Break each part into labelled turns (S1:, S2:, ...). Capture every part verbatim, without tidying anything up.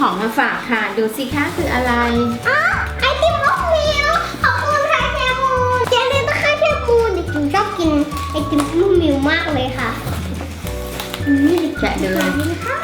S1: ของมาฝากค่ะดูสิคะคืออะไร
S2: อ๋อไอติมมะมิวขอบคุณค่ะแคมูนเจนนี่ต้องค่ะแคมูนเด็กจิ๋วชอบกินไอติมมะมิวมากเลยค่ะนี่
S1: แกะดูเลย
S2: นะคะ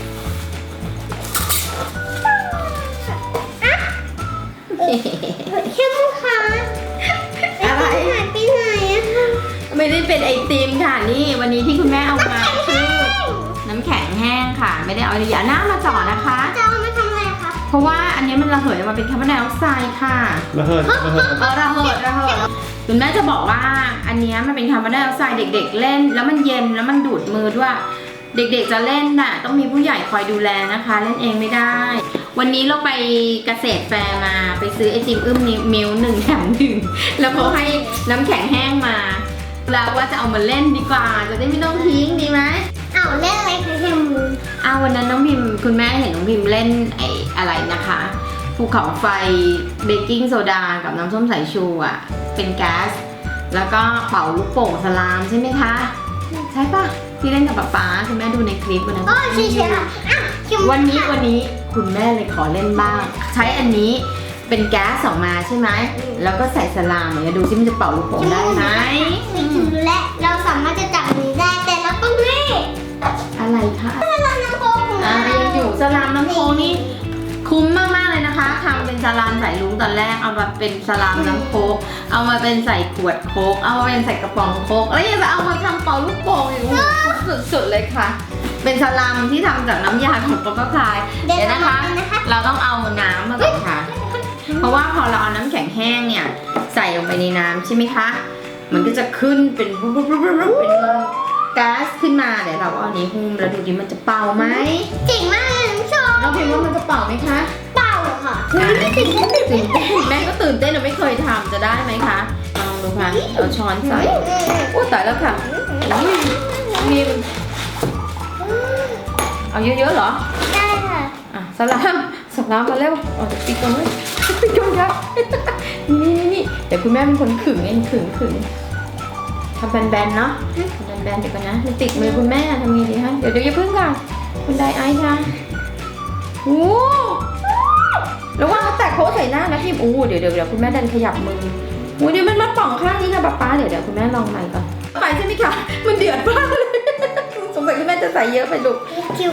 S2: แคมูนค่ะ
S1: อะไร
S2: หายไปไหนอะคะ
S1: ไม่ได้เป็นไอติมค่ะนี่วันนี้ที่คุณแม่เอามาคือน้ำแข็งแห้งค่ะ ไม่ได้เอาอย่าหน้ามาจ่อนะคะ
S2: จะเอามาทำอะไรคะ
S1: เพราะว่าอันนี้มันระเหยออกมาเป็นคาร์บอนไดออกไซด์ค่ะ
S3: ระเหิดระเหิด
S1: เออระเหิดระเหิดคุณแม่จะบอกว่าอันนี้มันเป็นคาร์บอนไดออกไซด์เด็กๆเล่น แล้วมันเย็นแล้วมันดูดมือด้วย เด็กๆจะเล่นน่ะต้องมีผู้ใหญ่คอยดูแลนะคะ เล่นเองไม่ได้ วันนี้เราไปเกษตรแฟร์มาไปซื้อไอติมอึ้มมิลหนึ่งแถมหนึ่งแล้วเขาให้น้ำแข็งแห้งมาแล้วว่าจะเอามาเล่นดีกว่าจะได้ไม่ต้องทิ้งดีไหม
S2: เอาเล่นอะไรคะแคมูน
S1: อ้าววันนั้นน้องพิมคุณแม่เห็นน้องพิมเล่นไอ้อะไรนะคะภูเขาไฟเบกกิ้งโซดากับน้ำส้มสายชูอ่ะเป็นแก๊สแล้วก็เป่าลูกโป่งสลามใช่ไหมคะใช่ปะที่เล่นกับป๊าป๊าคุณแม่ดูในคลิปวันนั้น
S2: อ๋อใช่ใช่ค่ะอ่ะแคมู
S1: วันนี้
S2: ค่ะ
S1: วันนี้คุณแม่เลยขอเล่นบ้าง ใช้อันนี้เป็นแก๊สออกมาใช่ไหมแล้วก็ใส่สลามเนี่ยดูซิมันจะเป่าลูกโป่งได้ไหม
S2: ไม่ถือและเราสามารถจะจับมือได้แต่เราต้องให้
S1: อะไรคะ
S2: ถ้าเราน้ำโค้กของ
S1: อ่า
S2: เรา
S1: ยังอยู่สลามน้ำโค้กนี่คุ้มมากๆเลยนะคะทำเป็นสลามใส่ลุงตอนแรกเอามาเป็นสลามน้ำโค้กเอามาเป็นใส่ขวดโค้กเอามาเป็นใส่กระป๋องโค้กแล้วยังจะเอามาทำเป่าลูกโป่งอีกสุดๆเลยค่ะ เป็นสลามที่ทำจากน้ำยาของป๊อปปี้พายเดี๋ยวนะคะ เราต้องเอาน้ำมาก่อนค่ะ เพราะว่าพอเราเอาน้ำแข็งแห้งเนี่ยใส่ลงไปในน้ำใช่ไหมคะ มันก็จะขึ้นเป็นปุ๊บปุ๊บปุ๊บปุ๊บเป็นก๊าซขึ้นมาเดี๋ยวเราเอาอันนี้หุ้มแล้วดูดิมันจะเป่าไหม
S2: เจ๋งมากเลยน้ำชม
S1: เราพิมพ์ว่ามันจะเป่าไหมคะ
S2: เป่าค่ะไม่ถึงก็ถึง
S1: ตื่นเต้นแม่ก็ตื่นเต้นเราไม่เคยทำจะได้ไหมคะลองดูค่ะเอาช้อนใส่โอ้ตายแล้วค่ะอุ้ยพิมพ์เอาเยอะๆเหรอ
S2: ได้ค่ะ
S1: อ่ะสลามสลามมาเร็วเอาจะปิดก่อนเลยปิดก่อนครับนี่นี่นี่เดี๋ยวคุณแม่เป็นคนขึงเองขึงขึงทำแบนๆเนาะทำแบนๆเดี๋ยวก่อนนะมันติดมือคุณแม่ทำไงดีคะเดี๋ยวเดี๋ยวอย่าพึ่งค่ะคุณไดไอซ์ค่ะโอ้ระวังเขาแตกโค้ดใส่หน้านะพี่โอ้เดี๋ยวเดี๋ยวเดี๋ยวคุณแม่ดันขยับมือโอ้เดี๋ยวมันมาป่องข้างนี้ค่ะป๊าป๊าเดี๋ยวเดี๋ยวคุณแม่ลองใหม่ก่อนไปใช่ไหมคะมันเดือดมากเลยสงสัยคุณแม่จะใส่เยอะไปลูก
S2: คิว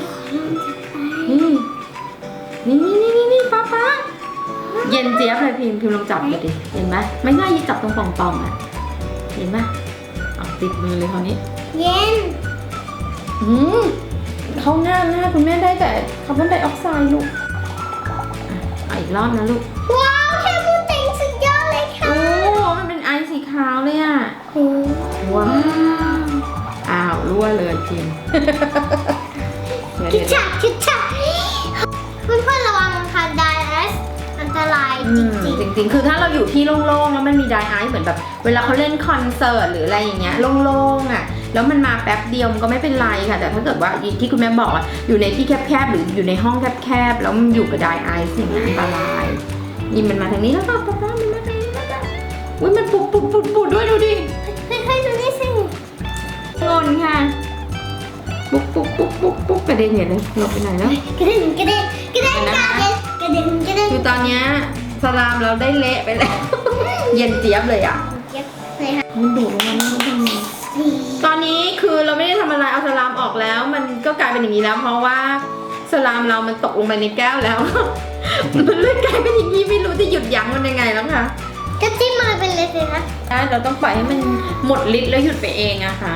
S1: นี่นี่นี่นี่นี่ป้าป้าเย็นเจี๊ยบเลยพิมพ์พิมพ์ลองจับดูดิเห็นไหมไม่ง่ายยิ่งจับตรงป่องๆอ่ะเห็นไหมเอาติดมือเลยคราวนี้
S2: เย็น
S1: อืมเข้าหน้าหน้าคุณแม่ได้แต่คาร์บอนไดออกไซด์ลูกอ่ะเอาอีกรอบนะลูก
S2: ว้าวแคมูนเต็งสุดยอดเลยค่ะ
S1: โอ้มันเป็นไอซ์สีขาวเลยอ่ะ
S2: โอ้
S1: ว้าวอ้าวรั่วเลยพิมพ์
S2: คิดจักคิดจักเพื่อนเพื่อนระวังค่ะไดเอสอันตรายจริง
S1: จริงๆ คือถ้าเราอยู่ที่โล่งๆ แล้วมันมีไดไอซ์เหมือนแบบเวลาเขาเล่นคอนเสิร์ตหรืออะไรอย่างเงี้ยโล่งๆอ่ะแล้วมันมาแป๊บเดียวมันก็ไม่เป็นไรค่ะแต่ถ้าเกิดว่าที่คุณแม่บอกอ่ะอยู่ในที่แคบๆหรืออยู่ในห้องแคบๆแล้วมันอยู่กับไดไอซ์อย่างเงี้ยอันตรายนี่มันมาทางนี้แล้วก็ป๊าป๊ามันมาทางนี้แล้วก็อุ้ยมันปุดปุดปุดปุดด้วยดูดิ
S2: ๆเฮ้ยๆดูนี่สิ
S1: งนค่ะปุ๊บปุ๊บปุ๊บปุ๊บปุ๊บกระเด็นอย่างนี้หลบไปไหนแล้ว
S2: กระเด็นกระเด็นกระเด็นกระเด็นกระเด็นกระเด็น
S1: คือตอนเนี้ยสลามเราได้เละไปแล้ว เย็นเจี๊ยบเลยอ่ะ
S2: เย็บเลยค่ะ
S1: มันดูดลงมาไม่รู้ทำไงตอนนี้คือเราไม่ได้ทำอะไรเอาสลามออกแล้ว มันก็กลายเป็นอย่างนี้แล้ว เพราะว่าสลามเรามันตกลงไปในแก้วแล้ว มันเลยกลายเป็นอย่างนี้ไม่รู้จะหยุดยั้งมันยังไงแล้วค่ะ
S2: ก็จิ้มมือไปเลยสิคะ
S1: เราต้องปล่อยให้มันหมดฤทธิ์แล้วหยุดไปเองอะค่ะ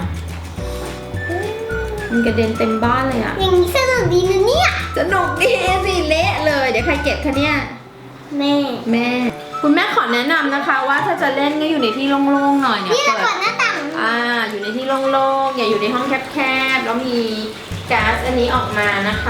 S1: มันกระเด็นเต็มบ้านเลยอะ
S2: อย่างนี้สนุกดีนะเนี่ย
S1: สนุกดีสิเละเลยเดี๋ยวใครเก็บคะเนี่ย
S2: แม่
S1: แม่ คุณแม่ขอแนะนำนะคะ ว่าถ้าจะเล่นก็อยู่ในที่โล่งๆหน่อยเนี่ย
S2: นี่เรา
S1: เปิ
S2: เปิ
S1: ด
S2: ดหน้าต่าง
S1: อ่าอยู่ในที่โล่งๆอย่าอยู่ในห้องแคบๆแล้วมีก๊าซอันนี้ออกมานะคะ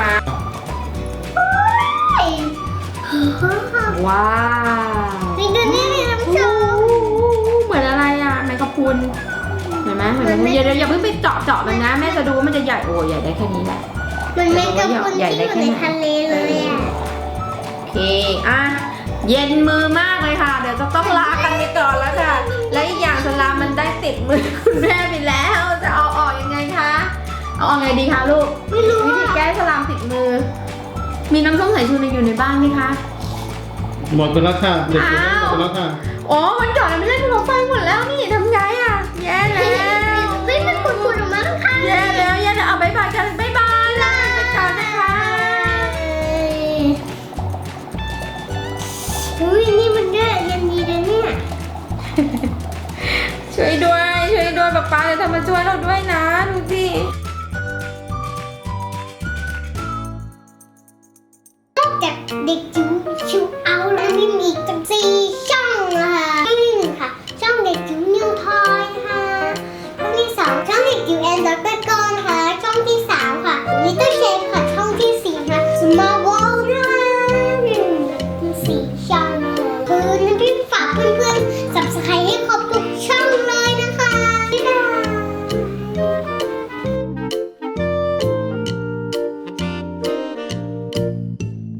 S1: ว้าว
S2: นี่ดูนี่นี่น้ำชม
S1: เหมือนอะไรอ่ะแมงกะพรุนเห็นไหมเหมือนแมงกะพรุนอย่าอย่าเพิ่งไปเจาะเจาะมันนะแม่จะดูว่ามันจะใหญ่โอ้ใหญ่ได้แค่นี้แหละ
S2: มันแมงกะพรุนที่อยู่ในทะเลเลยอ่ะ
S1: โอเคอ่ะเย็นมือมากเลยค่ะเดี๋ยวจะต้องลากันไปก่อนแล้วค่ะและอีกอย่างสลามมันได้ติดมือคุณแม่ไปแล้วจะเอาออกยังไงคะเอาออกไงดีคะลูก
S2: ไม่รู้
S1: วิธีแก้สลามติดมือมีน้ำส้มสายชูอยู่ในบ้านไหมคะ
S3: หมดไปแล้วค่ะเด็กๆหมดไปแล้วค่ะ
S1: อ๋อมันหยอดแล้วไม่ใช่เราไฟหมดแล้วนี่ทำไงอ่ะแย่แล้ว
S2: เฮ้ยมันขุ่นๆออกมาข้างๆ
S1: แย่แล้วแย่แล้วเอาบายบายกันบายบายลาไปก่อนนะคะ
S2: อุ้ยนี่มันเนี่ยยันดีนะเนี่ย
S1: ช่วยด้วยช่วยด้วยป๊าป๊าจะทำมาช่วยเราด้วยนะดูสิ
S2: นอกจากเด็กจิ๋ว